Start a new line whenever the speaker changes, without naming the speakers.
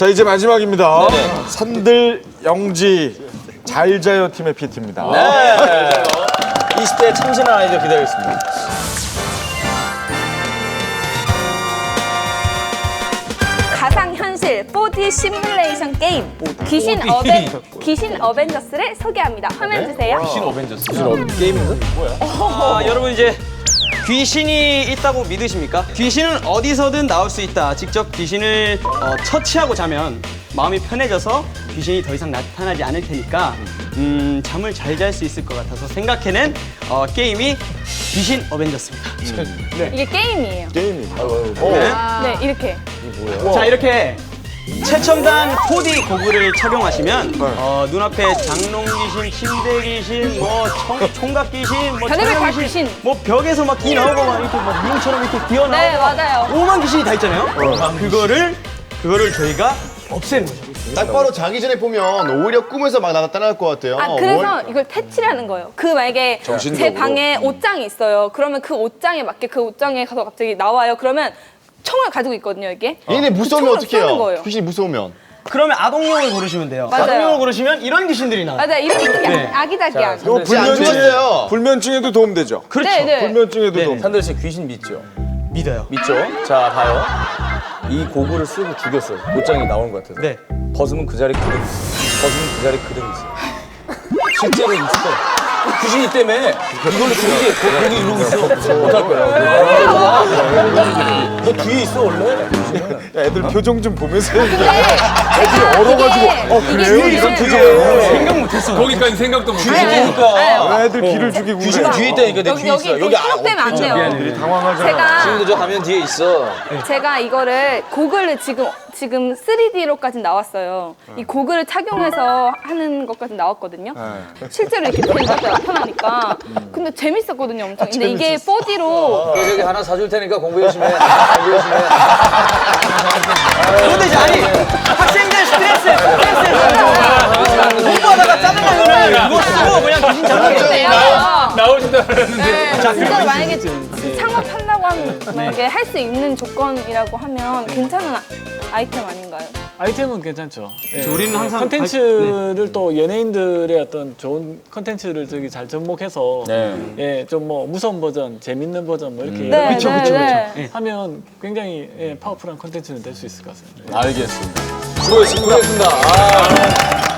자, 이제 마지막입니다.
네네.
산들 영지 잘자요 팀의 PT입니다.
네. 20대 참신한 아이들 기다리겠습니다.
가상현실 4D 시뮬레이션 게임 귀신 어벤져스를 소개합니다. 화면 주세요.
여러분 이제 귀신이 있다고 믿으십니까? 귀신은 어디서든 나올 수 있다. 직접 귀신을 처치하고 자면 마음이 편해져서 귀신이 더 이상 나타나지 않을 테니까 잠을 잘 잘 수 있을 것 같아서 생각해낸 게임이 귀신 어벤져스입니다.
이게 게임이에요.
네.
네, 이렇게.
자, 이렇게 최첨단 4D 고글을 착용하시면 눈앞에 장롱 귀신, 침대 귀신, 뭐 총각 귀신, 뭐
별의별
천연
다 귀신.
뭐 벽에서 막 기 나오고 막 이렇게 막 미용처럼 이렇게
네,
뛰어나오고
맞아요.
오만 귀신이 다 있잖아요. 그거를 저희가 없애는 거죠.
딱 바로 자기 전에 보면 오히려 꿈에서 막 나타날 것 같아요.
그래서 이걸 퇴치라는 거예요. 만약에 제 방에 옷장이 있어요. 그러면 그 옷장에 맞게 그 옷장에 가서 갑자기 나와요. 그러면 총을 가지고 있거든요, 이게.
얘네 무서우면
총으로
어떻게
쏘는
해요?
거예요.
귀신이 무서우면.
그러면 아동용을 고르시면 돼요.
맞아요.
아동용을 고르시면 이런 귀신들이 나와요.
맞아요. 이렇게
네.
아기자기한.
이거
안 죽었어요.
불면증에도 도움되죠?
그렇죠.
네, 네.
불면증에도 도움.
산들 씨 귀신 믿죠?
믿어요.
믿죠? 자, 봐요. 이 고글을 쓰고 죽였어요. 옷장이 나오는 것 같아서.
네.
벗으면 그 자리 그대로 있어요. 벗으면 그 자리 그대로 있어요. 실제로 있어. 귀신이 때문에 이걸로 거기 이러고 있어. 못할 거야. 너 뒤에 있어, 원래?
야, 애들 표정 좀 보면서 얘기해. 애들이 얼어가지고 그래요? 이런 표정.
생각 못했어.
거기까지 생각도 못해.
귀신이니까.
왜 애들 귀를 죽이고
귀신은
그래?
뒤에 있다니까, 내 뒤에 있어.
여기 현혹되면 안 돼요.
애들이 당황하잖아.
지금도 저 가면 뒤에 있어.
제가 이거를 고글을 지금 3D로까지 나왔어요. 이 고글을 착용해서 하는 것까지 나왔거든요. 실제로 이렇게 나타나니까. 근데 재밌었거든요, 엄청. 근데 이게 4D로
저기 하나 사줄 테니까 공부 열심히 해. 공부 열심히 해.
근데 이제 아니 학생들 스트레스 공부하다가 짜증나면 이거 쓰고 그냥 귀신 잡는
나오지도 않았는데.
진짜 만약에 창업한다고 하면 만약에 할 수 있는 조건이라고 하면 괜찮은 아이템 아닌가요?
아이템은 괜찮죠. 예.
우리는 항상
컨텐츠를 또 연예인들의 어떤 좋은 컨텐츠를 저기 잘 접목해서 예, 좀 뭐 무서운 버전, 재밌는 버전 뭐 이렇게
네,
그쵸,
네,
그쵸,
네.
그쵸. 하면 굉장히 예, 파워풀한 컨텐츠는 될 수 있을 것 같습니다.
알겠습니다. 수고했습니다.